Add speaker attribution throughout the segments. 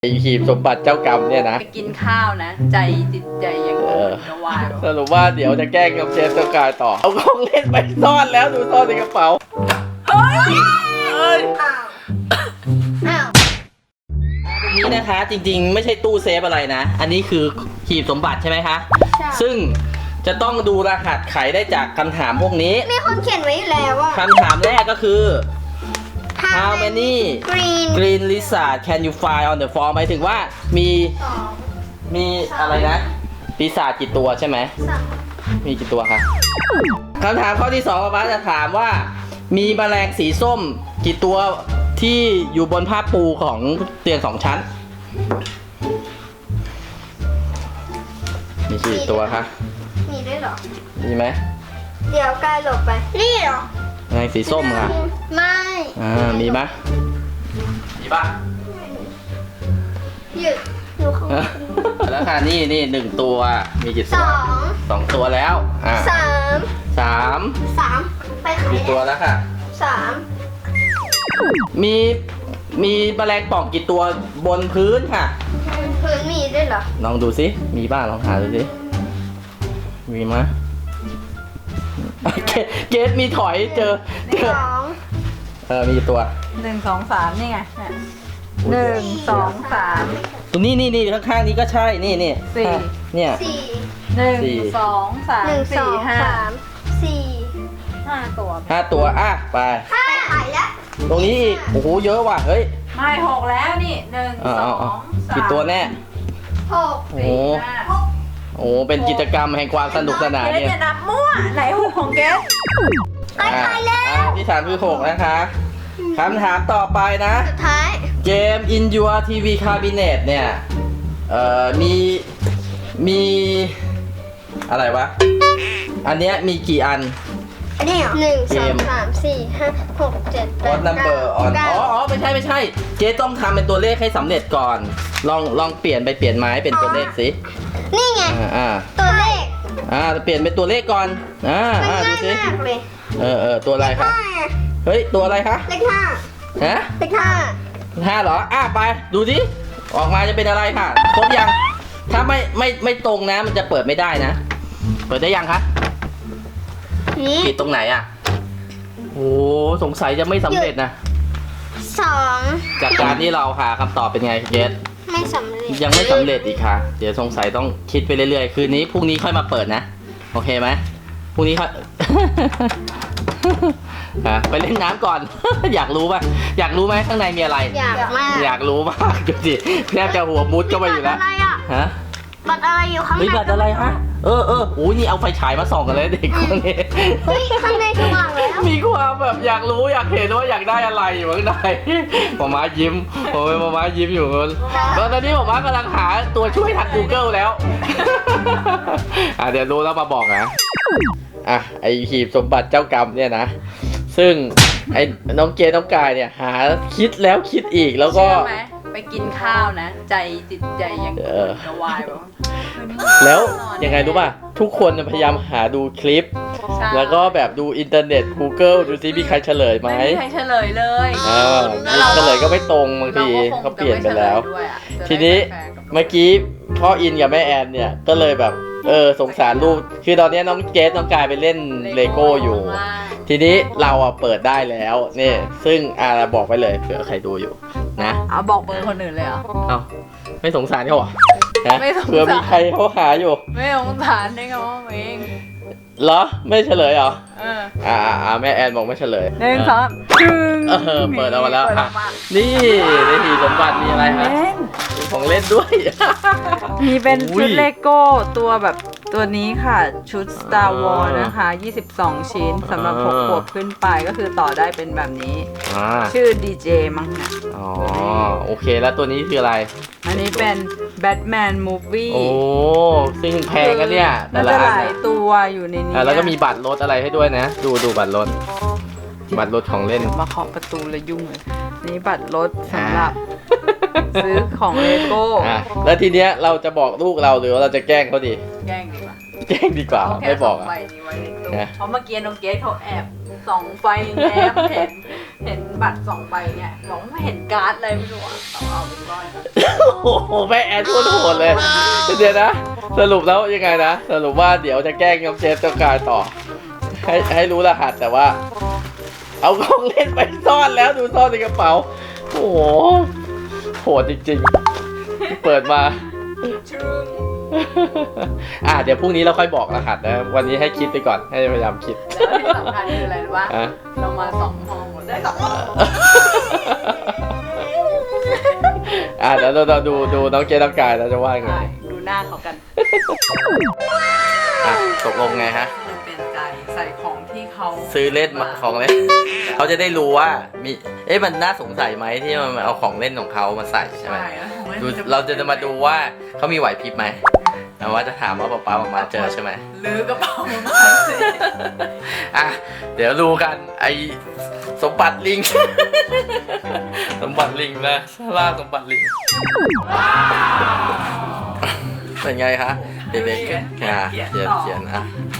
Speaker 1: ไอหีบสมบัติเจ้ากรรมเนี่ยนะ
Speaker 2: ไปกินข้าวนะใจจิตใจยังจะวาย
Speaker 1: สรุปว่าเดี๋ยวจะแกล้งกับเจสกายต่อเอาของเล่นไปซ่อนแล้วดูซ่อนในกระเป๋าเฮ้ยตรงนี้นะคะจริงๆไม่ใช่ตู้เซฟอะไรนะอันนี้คือหีบสมบัติใช่ไหมคะซึ่งจะต้องดูรหัสไขได้จากคำถามพวกนี้
Speaker 3: มีคนเขียนไว้อยู่แล้วว่า
Speaker 1: คำถามแรกก็คือ How many green lizard can you find on the floor หมายถึงว่ามีอะไรนะปีศาจกี่ตัวใช่ไหมมีกี่ตัวคะคำถามข้อที่2ป้าจะถามว่ามีแมลงสีส้มกี่ตัวที่อยู่บนผ้าปูของเตียง2 ชั้นมีกี่ตัวคะ
Speaker 3: มีด้วยเหรอ
Speaker 1: มีไหม
Speaker 3: เดี๋ยวกายหลบไปนี่เหรอ
Speaker 1: แมลงสีส้มค่ะ
Speaker 3: ไม่
Speaker 1: มีไหมมีป่ะ
Speaker 3: หยุดดูเขา
Speaker 1: แล้วค่ะนี่1 ตัวมีกี่ตัว2 ตัวแล้ว
Speaker 3: สามไปขาย
Speaker 1: กี่ตัวแล้วค่ะ
Speaker 3: 3
Speaker 1: มีแมลงป่องกี่ตัวบนพื้นค่ะ
Speaker 3: พื้นมีด้วยเหรอ
Speaker 1: ลองดูสิมีบ้างลองหาดูสิมีไหมเกสมีถอยเจอมีกี่ตัว
Speaker 2: 1 2 3นี่ไง1 2 3
Speaker 1: ตรงนี้ข้างๆนี้ก็ใช่นี่4เนี่ย
Speaker 2: 1 2 3 4 5ตัว
Speaker 1: ไป
Speaker 3: ขายแล้ว
Speaker 1: ตรงนี้อีกโอ้โหเยอะว่ะเฮ้ย
Speaker 2: ไม่6แล้วนี่1 2 3
Speaker 1: กี่ตัวแน่
Speaker 3: 6
Speaker 1: โอ้เป็นกิจกรรมแห่งความสนุกสนานเนี่ย
Speaker 2: เกสจะนับมั่วไหน6ของเกส
Speaker 3: ไปแล้ว
Speaker 1: ที่ถามคือ6นะคะคำถามต่อไปนะ
Speaker 3: สุดท้าย
Speaker 1: เกม In Your TV Cabinet เนี่ยมีอะไรวะอันเนี้ยมีกี่อัน
Speaker 3: อันนี้1 2 3 4 5 6 7 8
Speaker 1: 9 อ๋อไม่ใช่เจ๊ต้องทำเป็นตัวเลขให้สำเร็จก่อนลองเปลี่ยนไม้เป็นตัวเลขสิ
Speaker 3: นี่ไงตัวเลข
Speaker 1: เปลี่ยนเป็นตัวเลขก่อนดูสิ
Speaker 3: เลย
Speaker 1: ตัวอะไรคะเฮ้ยตัวอะไรคะ
Speaker 3: เลข5
Speaker 1: ฮะ
Speaker 3: เลข
Speaker 1: 5เหรอไปดูสิออกมาจะเป็นอะไรค่ะครบยังถ้าไม่ตรงนะมันจะเปิดไม่ได้นะเปิดได้ยังคะผิดตรงไหนโอ้สงสัยจะไม่สำเร็จนะ
Speaker 3: 2
Speaker 1: จากการที่เราหาคำตอบเป็นไงเจส
Speaker 3: ไม่สำเร็จ
Speaker 1: ยังไม่สำเร็จอีกค่ะเดี๋ยวสงสัยต้องคิดไปเรื่อยๆคืนนี้พรุ่งนี้ค่อยมาเปิดนะโอเคไหมพรุ่งนี้ค่อยไปเล่นน้ำก่อน อยากรู้ไหมข้างในมีอะไรอยากรู้มากดูสิแทบจะหัวมุดเข้าไปอยู่แล้ว
Speaker 3: บัตรอะไรอยู่ข้างใน
Speaker 1: บัตรอะไรฮะโอ้ยนี่เอาไฟฉายมาส่องกันเลยเด็กคนนี้
Speaker 3: เฮ้ยข้างในสว่างแล้ว
Speaker 1: มีความแบบอยากรู้อยากเห็นว่าอยากได้อะไรอยู่ข้างในหมายิ้มหมายิ้มอยู่ตอนนี้หมากำลังหาตัวช่วยทาง Google แล้วเดี๋ยวรู้แล้วมาบอกนะไอหีบสมบัติเจ้ากรรมเนี่ยนะซึ่งไอ้น้องเกน้องกายเนี่ยหาคิดแล้วคิดอีกแล้วก็
Speaker 2: ไปกินข้าวนะใจจิตใจยังจะวาย
Speaker 1: แล้วยังไงรู้ป่ะทุกคนพยายามหาดูคลิปแล้วก็แบบดูอินเทอร์เน็ต Google ดูซิมีใครเฉลยไหม
Speaker 2: ไม่มีใครเฉลยเลย
Speaker 1: เฉลยก็ไม่ตรงบางทีเขาเปลี่ยนไปแล้วทีนี้เมื่อกี้พ่ออินกับแม่แอนเนี่ยก็เลยแบบสงสารลูกคือตอนนี้น้องเกสน้องกายไปเล่นเลโก้อยู่ทีนี้เราเปิดได้แล้วนี่ซึ่งบอกไปเลยเผื่อใครดูอยู่นะ
Speaker 2: บอกเบอร์คนอื่นเลยเหรอ
Speaker 1: ไม่สงสารเขาเหรอเผื่อมีใครเขาหาอยู่
Speaker 2: ไม่สงสารได้ไงว่าเอง
Speaker 1: เหรอไม่เฉลยเหรอแม่แอนบอกไม่เฉลย
Speaker 2: 1 2
Speaker 1: เปิดออกมาแล้วนี่ในหีบสมบัติมีอะไรฮะของเล่นด้วย
Speaker 2: มีเป็นชุดเลโก้ตัวแบบตัวนี้ค่ะชุด Star Wars นะคะ22 ชิ้นสำหรับ6 ขวบขึ้นไปก็คือต่อได้เป็นแบบนี้ชื่อ DJ มั้งนะ
Speaker 1: โอเคแล้วตัวนี้คืออะไร
Speaker 2: อันนี้เป็น Batman Movie
Speaker 1: ซึ่งแพงกันเนี่ย
Speaker 2: แต่ละหลายตัวอยู่ในนี้
Speaker 1: แล้วก็มีบัตรรถอะไรให้ด้วยนะดูบัตรรถของเล่น
Speaker 2: มาเคาะประตูเลยยุ่งเลยนี่บัตรรถสำหรับซื้อของเลโก้
Speaker 1: แล้วทีเนี้ยเราจะบอกลูกเราหรือว่าเราจะแกล้งเขาดี
Speaker 2: แกล้งดีกว่า
Speaker 1: ไม่บอก
Speaker 2: ใบนี้ไว้ในตู้
Speaker 1: นะ
Speaker 2: เพราะเมื่อกี้น้องเกดเขาแอบส่องไฟแง้มเห็นบัตร2 ใบเนี่ยบอกว่าไม่เห็นการ์ดอะไรไม่รู้อะเอาไปก่อน
Speaker 1: โอ้โหแม่แอนพูดโหดเลยเดี๋ยวนะสรุปแล้วยังไงนะสรุปว่าเดี๋ยวจะแกล้งน้องเจฟเจ้ากายต่อให้รู้รหัสแต่ว่า เอาของเล่นไปซ่อนแล้วดูซ่อนในกระเป๋าโอ้โหโหดจริงๆเปิดมา เดี๋ยวพรุ่งนี้เราค่อยบอกรหัสนะวันนี้ให้คิดไปก่อนให้พยายามคิด
Speaker 2: แล้วที่สำคัญคืออะไรรู้ปะ
Speaker 1: อ่ะ
Speaker 2: เรามา2 ห้องหมดได้2 ห้อง
Speaker 1: เดี๋ยวเราดูน้องเจน้องกายเราจะว่ายังไง
Speaker 2: ใช่ดูหน้าเขากัน
Speaker 1: ตกลงไงฮะ
Speaker 2: มันเป็นใจใส่ของที่เขา
Speaker 1: ซื้อเล่นมาของเล่นเขาจะได้รู้ว่ามีมันน่าสงสัยไหมที่มันเอาของเล่นของเขามาใส่ใช่ไหม
Speaker 2: แล้วของล่น
Speaker 1: ดู
Speaker 2: มัน
Speaker 1: เราจะมาดูว่าเขามีไหวพริบไหมแต่ว่าจะถามว่าป๊ามาเจอใช่ไหม
Speaker 2: ลื้อกระเป๋ามาสิ
Speaker 1: เดี๋ยวดูกันไอสมบัติลิง สมบัติลิงนะล่าสมบัติลิงเป็นไงคะเด็กๆเขียน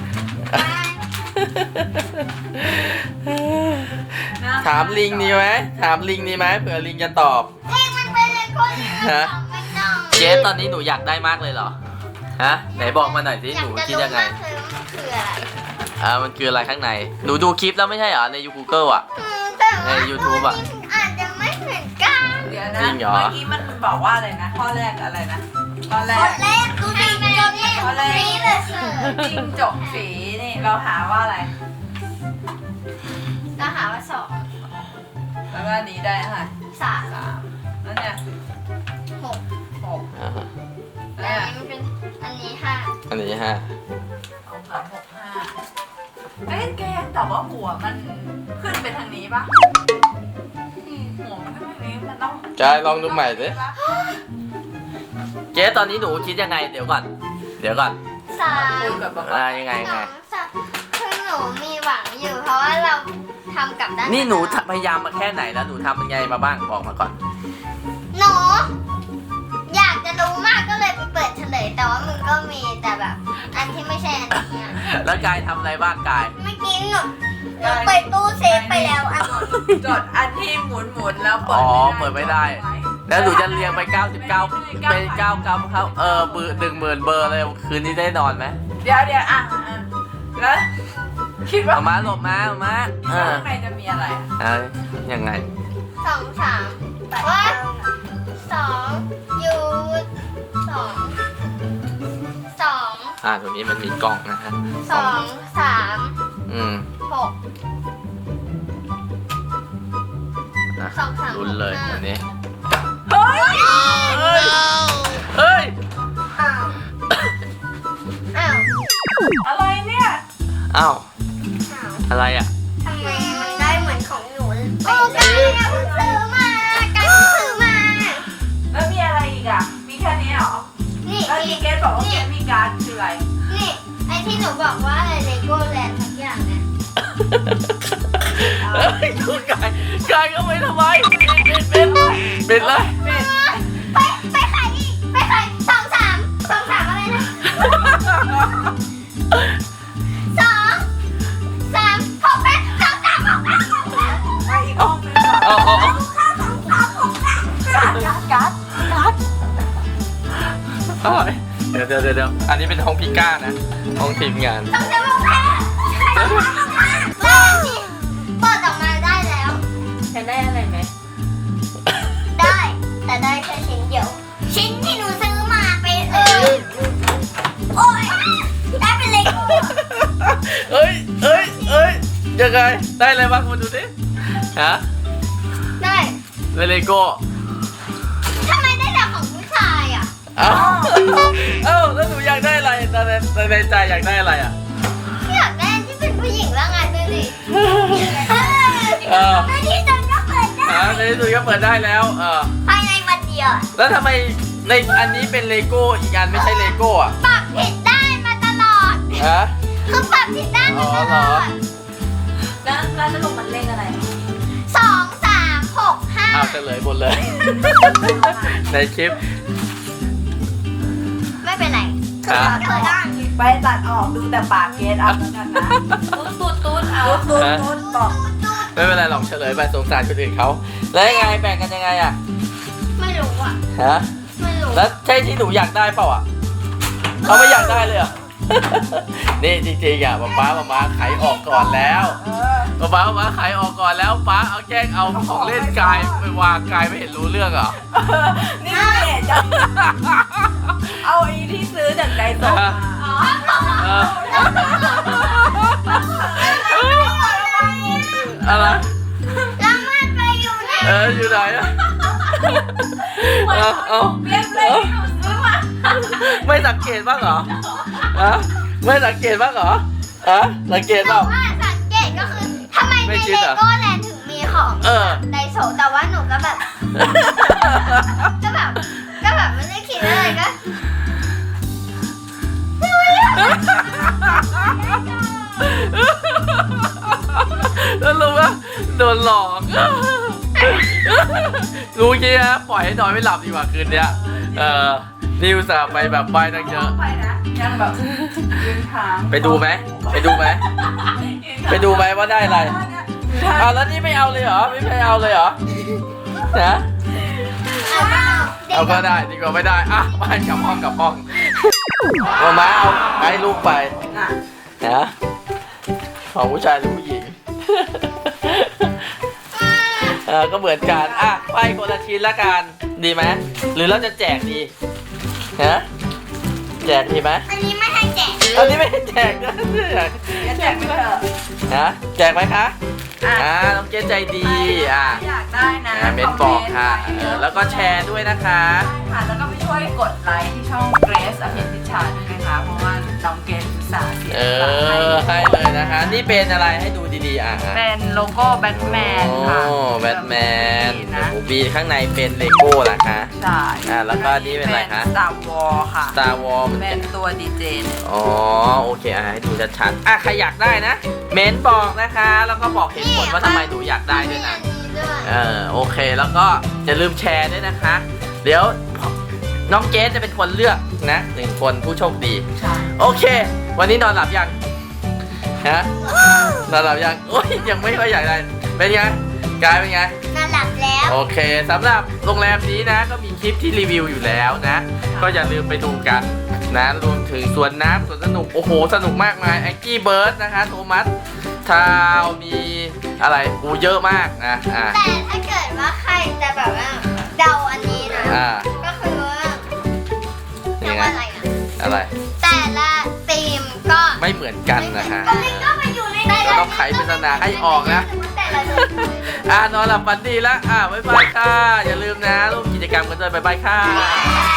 Speaker 1: ถามลิงดีไหมถามลิงดีไหมเผื่อลิงจะตอบ
Speaker 3: มันเป็นเลโก้ที่มัน ไม่ต้อง
Speaker 1: เจสตอนนี้หนูอยากได้มากเลยเหรอฮะไหนบอกมาหน่อยสิหนูคิดยังไง
Speaker 3: อยากจะรู้มากเลยว่ามันคืออะไร
Speaker 1: มันคืออะไรข้างในหนูดูคลิปแล้วไม่ใช่เหรอใน Google อ่ะ
Speaker 3: แต่ว่า
Speaker 1: ใน YouTube อะ
Speaker 3: อาจจะไม่เหมือนกัน
Speaker 2: เดี๋ยวนะ
Speaker 1: จริงเหรอ
Speaker 2: เมื่อกี้มันบอกว่าอะไรนะข้อแรกอะไรนะข้อแร
Speaker 3: ต
Speaker 2: ก
Speaker 3: อนแรกดูดิจบเนี่ยนี่เลยเสิร์ฟ
Speaker 2: จิ้งจกสีนี่เราหาว่าอะไร
Speaker 3: ก็หาว่าสอง
Speaker 2: แล้วก็อันนี้ได้ค่ะ
Speaker 3: สาม
Speaker 2: 3แล้วเนี่ย
Speaker 3: หก
Speaker 2: 6
Speaker 1: อ่าฮะ
Speaker 3: แล้
Speaker 2: แล้ว ว
Speaker 3: อันนี้มันเป็นอันนี้ห้า
Speaker 1: อันนี้ฮะ
Speaker 2: 2 3 6 5เอ้ยแกแต่ว่าหัวมันขึ้นไปทางนี้ปะหัวมันขึ้นไปทางนี้มันต้อง
Speaker 1: กายลองดูใหม่สิเจ๊ตอนนี้หนูคิดยังไงเดี๋ยวก่อน
Speaker 3: สาม
Speaker 2: คุยกับป๊า
Speaker 1: ยังไง
Speaker 3: สองสามคือหนูมีหวังอยู่ เพราะว่าเราทำกับด้าน
Speaker 1: นี่หนูพยายามมาแค่ไหนแล้วหนูทำยังไงมาบ้างบอกมาก่อน
Speaker 3: หนูอยากจะรู้มากก็เลยไปเปิดเฉลย แต่ว่ามันก็มีแต่แบบ อันที่ไม่ใช่อันนี้อะ
Speaker 1: แล้วกายทำอะไรบ้างกาย
Speaker 3: เมื่อกี้หนูเปิดตู้เซฟไปแล้วอันหนึ่ง
Speaker 2: จดอันที่หมุนแล้วเปิ
Speaker 1: อ๋
Speaker 2: ด
Speaker 1: อ
Speaker 2: ไม่ได้
Speaker 1: เปิดไม่ได้ แล้วหนูจะเรียงไป 99เป็น99ครับเบอร์10,000เบอร์เลยคืนนี้ได้นอนไหม
Speaker 2: เดี๋ยวแล้วคิดว่า
Speaker 1: เอามาหลบมา
Speaker 2: ข้างในจะมีอะไรอะ
Speaker 1: ยังไง
Speaker 3: สองสามว่าสองยูสองสอง
Speaker 1: ตรงนี้มันมีกล่องนะฮะ
Speaker 3: สองสาม หก
Speaker 1: นะ
Speaker 3: สองสาม
Speaker 1: ลุ้นเลย
Speaker 3: หกห้า
Speaker 1: วันนี้
Speaker 2: เฮ้ย
Speaker 1: เฮ้ย
Speaker 3: อ้าวอ้าว
Speaker 2: อะไรเนี่ย
Speaker 1: อ้าว
Speaker 3: อ้าว
Speaker 1: อะไรอ่ะ
Speaker 3: ทำไมมันได้เหมือนของหนูโอ้กายเพิ่งซื้อมากายเพิ่งซื้อมา
Speaker 2: แล้วมีอะไรอีกอ่ะ มีแค่นี้เหรอ
Speaker 3: นี่
Speaker 2: แล้วมีเกสบอกว่าเกสมีการ์ดคืออะไร
Speaker 3: นี่ไอที่หนูบอกว่าอะไรเลโก้แลนด์ทุกอย่างนะ
Speaker 1: เฮ้ยคุณกายก็ไม่ทำไมปิดเลย
Speaker 3: ไปขายอีกไปขายสองสามอะไรนะสองสามหกแปดสองสามหกแปด
Speaker 2: ไปอีกห้องนึงก่อน
Speaker 1: เอา
Speaker 2: การ์ด
Speaker 1: เดี๋ยวอันนี้เป็นห้องพิก้านะห้องทีมงาน
Speaker 3: สองสามหกแปดเปิดออกมาได้แล้ว
Speaker 2: จะได้อะไรไหม
Speaker 3: ได้แต่ได้แค่ชิ้นเดียว ชิ้นที่หนูซื้อมาไปโอ้ยได้เป็นเลโก้
Speaker 1: เอ้ยยังไงได้อะไรบ้างมาดูสิฮะ
Speaker 3: ได้
Speaker 1: เลโก้
Speaker 3: ทำไมได้แต่ของผู้ชายอ่ะ
Speaker 1: เอ้าแล้วหนูอยากได้อะไรตอนในใจอยากได้อะไรอ่ะ
Speaker 3: อยากได้ที่เป็นผู้หญิงแล้วไงดูดิ
Speaker 1: อ
Speaker 3: ในที่สุดก็เปิดได้
Speaker 1: ในที่สุดก็เปิดได้แล้ว
Speaker 3: ภายในวันเดียว
Speaker 1: แล้วทำไมในอันนี้เป็นเลโก้อีกอันไม่ใช่เลโก้อ่ะ
Speaker 3: ปรับผิดได้มาตลอด
Speaker 1: ฮะ
Speaker 3: คือปรับผิดได้มาตลอด
Speaker 2: แล้วสรุปมันเลขอะไร
Speaker 3: สองสามหกห้า
Speaker 1: เฉลยหมดเลย ในคลิป
Speaker 3: ไม่เป็นไร
Speaker 1: ฮะ
Speaker 3: เปิดได้
Speaker 2: ไปตัดออกดูแต่ปากเกสเอาแล้วกันนะตุ๊ดเอาตุ๊ดบอก
Speaker 1: ไม่เป็นไรหรอกเฉลยไปสงสารคนอื่นเขาแล้วยังไงแบ่งกันยังไงอะ
Speaker 3: ไม่รู้อ่ะ
Speaker 1: ฮะ
Speaker 3: ไม่รู้
Speaker 1: แล้วใช่ที่หนูอยากได้เปล่าอ่ะเอาไม่อยากได้เลยเหรอ นี่จริงๆอ่ะป๊าขายออกก่อนแล้วป๊าขายออกก่อนแล้วป๊าเอาแกล้งเอาของเล่นกายไปวางกายไม่เห็นรู้เรื่องเหรอ
Speaker 2: นี่จะเอาไอ้ที่ซื้อจากไดโซะมา
Speaker 1: อะไร
Speaker 3: แล้วมันไปอยู่ไหน
Speaker 1: อยู่ไหนอะเอา
Speaker 2: เรียบเลยที่หนูซื้อมา
Speaker 1: ไม่สังเกตบ้างเหรอไม่สังเกตบ้างเหรอสังเกตเปล่า
Speaker 3: ว่าสังเกตก็คือทำไม
Speaker 1: ไม่
Speaker 3: ใน
Speaker 1: คิ
Speaker 3: เล
Speaker 1: ดเหรอ
Speaker 3: โก้แลนด์ถึงมีของไดโซะแต่ว่าหนูก็แบบ ก็แบบไม่ได้คิดอะไรก็
Speaker 1: แล้วรู้ว่าโดนหลอกรู้งี้นะปล่อยให้นอนไม่หลับดีกว่าคืนเนี้ยนี่อุตส่าห์ไปแบบไปตั้งเยอะ
Speaker 2: ไปนะยังแบบยืนทาง
Speaker 1: ไปดูไหมว่าได้อะไรแล้วนี่ไม่เอาเลยเหรอไม่เอาเลยเหรอนะ เอาก็ได้ดีกว่าไม่ได้ไปกลับห้องมาเอาให้ลูกไปนะของผู้ชายหรือผู้หญิง ก็เหมือนกันไปคนละชิ้นละกันดีไหมหรือเราจะแจกดีแจกดีไหม
Speaker 3: อันนี้ไม่ให้แจก
Speaker 1: อันนี้ไม่ให้แจกนะ
Speaker 2: แจกไปเถอะ
Speaker 1: แจกไหมคะน้องเกดใจดี
Speaker 2: อยากได้นะ
Speaker 1: เมนบอกค่ะแล้วก็แชร์ด้วยนะคะ
Speaker 2: ค่ะแล้วก็ไปช่วยกดไลค์ที่ช่องเกรซอภิพิชาด้วยนะคะเพราะว่าน้องเกรซอุตส่าห์เสียสละให้
Speaker 1: ให้เลยนะคะนี่เป็นอะไรให้ดูดีๆ
Speaker 2: เป็นโลโก้แบทแมนค่ะ
Speaker 1: แบทแมน
Speaker 2: นะ
Speaker 1: บีข้างในเป็นเลโก้นะคะ
Speaker 2: ใช่
Speaker 1: แล้วก็นี่เป็นอะไรคะ
Speaker 2: Star Wars ค่ะ
Speaker 1: Star Wars
Speaker 2: เป็นตัวดีเจ
Speaker 1: โอเคให้ดูชัดๆใครอยากได้นะเมนบอกนะคะแล้วก็บอกเหตุผลว่าทำไมหนูอยากได้ด้วยนะโอเคแล้วก็อย่าลืมแชร์ด้วยนะคะ เดี๋ยวน้องเกสจะเป็นคนเลือกนะ1 คนผู้โชคดี
Speaker 2: ใช่
Speaker 1: โอเค วันนี้นอนหลับยังนอนหลับยังโอ้ยยังไม่ค่อยอยากได้เป็นไงกายเป็นไง
Speaker 3: นอนหลับแล้ว
Speaker 1: โอเคสำหรับโรงแรมนี้นะก็มีคลิปที่รีวิวอยู่แล้วนะก็อย่าลืมไปดูกันนะรวมถึงสวนน้ำสวนสนุกโอ้โหสนุกมากมายแองกี้เบิร์ดนะคะโทมัสทาวมีอะไรเยอะมากนะ
Speaker 3: แต่ถ้าเกิดว่าใครจะแบบว่าเดาอันนี้นะก็คือว่าเรียกว่าอะไรนะ
Speaker 1: อะไร
Speaker 3: แต่ละธีมก็
Speaker 1: ไม่เหมือนกันนะคะ
Speaker 3: ก็ไปอยู่ใน
Speaker 1: เราต้องไขปริศนาให้ออกนะนอนหลับฝันดีแล้วบ๊ายบายค่ะอย่าลืมนะร่วมกิจกรรมกันด้วยบ๊ายบายค่ะ